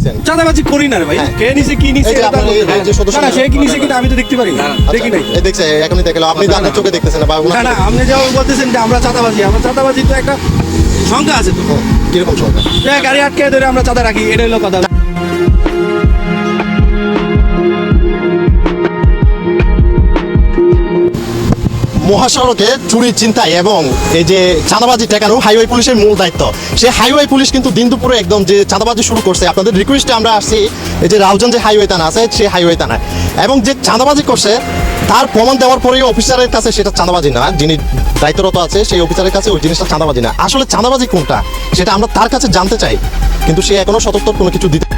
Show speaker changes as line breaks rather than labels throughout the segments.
নিছেন?
চাঁদাবাজি করি না রে ভাই।
হ্যাঁ।
কে নিছে কি নিছে
এই যে
এটা
আপনার এই যে সদস্য-
না, সে কি নিছে কিনা আমি তো দেখতে পারি না, দেখি নাই।
এই দেখছে এখনই দেখলো আপনি তো আপনার চোখে দেখতেছেন না বা
না না, আপনি যেমন বলতেছেন যে আমরা চাঁদাবাজি, আমরা চাঁদাবাজি তো একটা সংখ্যা আছে তো।
কিরকম সংখ্যা?
যে গাড়ি আটকে ধরে আমরা চাঁদা রাখি, এটা হলো কথা।
মহাসড়কে চুরি চিন্তায় এবং এই যে চাঁদাবাজি ঠেকানো হাইওয়ে পুলিশের মূল দায়িত্ব। সেই হাইওয়ে পুলিশ কিন্তু দিন দুপুরে একদম যে চাঁদাবাজি শুরু করছে। আপনাদের রিকোয়েস্টে আমরা আসছি এই যে রাউজান যে হাইওয়ে থানা আছে সেই হাইওয়ে থানায়, এবং যে চাঁদাবাজি করছে তার প্রমাণ দেওয়ার পরেই অফিসারের কাছে সেটা চাঁদাবাজি না, যিনি দায়িত্বরত আছে সেই অফিসারের কাছে ওই জিনিসটা চাঁদাবাজি না। আসলে চাঁদাবাজি কোনটা সেটা আমরা তার কাছে জানতে চাই, কিন্তু সে এখনো সতর্ক কোনো কিছু দিতে।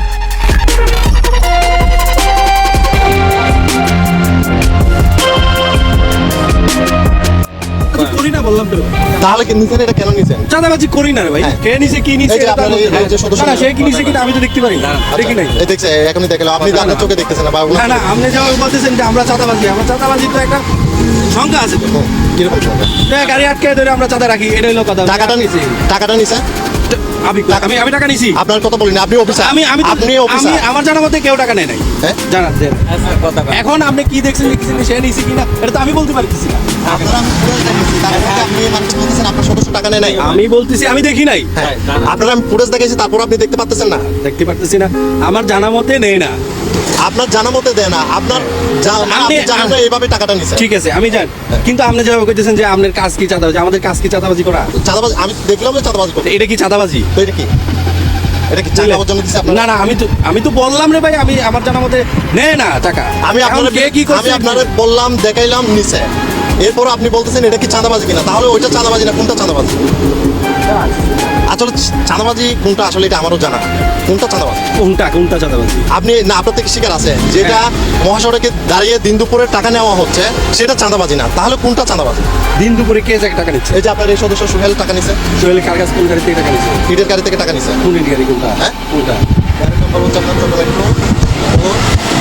করি না বললাম তো।
তাহলে কি নিছেন? এটা কেন নিছেন?
চাঁদাবাজি করি না রে ভাই।
হ্যাঁ।
কে নিছে কি নিছে
এই যে
এটা
আপনার এই যে সদস্য-
না, সে কি নিছে কিনা আমি তো দেখতে পারি না, দেখি নাই।
এই দেখছে এখনই দেখলো আপনি তো আপনার চোখে দেখতেছেন না বা
না না, আপনি যেমন বলতেছেন যে আমরা চাঁদাবাজি, আমরা চাঁদাবাজি তো একটা সংখ্যা আছে তো।
কিরকম সংখ্যা?
যে গাড়ি আটকে ধরে আমরা চাঁদা রাখি, এটা হলো কথা।
টাকাটা নিছে? টাকাটা নিছে?
আমি টাকা নিছি।
আপনার কথা বলিনি, আপনি অফিসার।
আমি আমি তো-
আপনি
আমি
অফিসার।
আমার জানা মতে কেউ টাকা নেয় নাই।
হ্যাঁ?
জানা দেন। এখন আপনি কি দেখছেন লিখছেন সে নিছি কিনা এটা তো আমি বলতে পারতেছি না।
আপনারা আমি ফুটেজ দেখেছি, তারপরে আপনি মানুষ বলতেছেন আপনার সদস্য টাকা নেয় নাই।
আমি বলতেছি আমি দেখি নাই,
হ্যাঁ, আপনারা আমি ফুটেজ দেখেছি, তারপর আপনি দেখতে পাচ্ছেন না।
দেখতে পারতেছি না, আমার জানা মতে নেই না।
আপনার জানা মতে দেয় না, আপনার মানে আপনি জানেন না এইভাবে টাকাটা নিছে।
ঠিক আছে আমি জানি, কিন্তু আপনি যেভাবে কইতেছেন যে আপনার কাজ কি চাঁদাবাজি, আমাদের কাজ কি চাঁদাবাজি করা,
চাঁদাবাজি আমি দেখলাম যে চাঁদাবাজি করতে।
এটা কি চাঁদাবাজি?
তো এটা কি? এটা কি টাকা জন্য দিছে আপনার?
না না, আমি তো বললাম রে ভাই, আমি আমার জানা মতে নেয় না টাকা।
আমি
এখন
আপনার
কে কি করছে?
আমি আপনারে বললাম, দেখাইলাম নিছে, এরপর আপনি বলতেছেন এটা কি চাঁদাবাজি কিনা। তাহলে ওইটা চাঁদাবাজি না, কোনটা চাঁদাবাজি? আসলে চাঁদাবাজি কোনটা আসলে এটা আমারও জানা, কোনটা চাঁদাবাজি।
কোনটা চাঁদাবাজি?
আপনি না, আপনার থেকে শিকার আছে যেটা মহাসড়কে দাঁড়িয়ে দিন দুপুরে টাকা নেওয়া হচ্ছে সেটা চাঁদাবাজি না, তাহলে কোনটা চাঁদাবাজি?
দিন দুপুরে কে যাকে টাকা নিচ্ছে?
এই যে আপনার এই সদস্য সোহেল টাকা নিছে,
সোহেল কার কাছে কোন গাড়ি থেকে টাকা নিচ্ছে?
ইটের গাড়ি থেকে টাকা নিছে।
কোন গাড়ি কোনটা?
হ্যাঁ?
কোনটা?
গাড়ির নম্বর হচ্ছে আপনার চট্টগ্রাম মেট্রো ও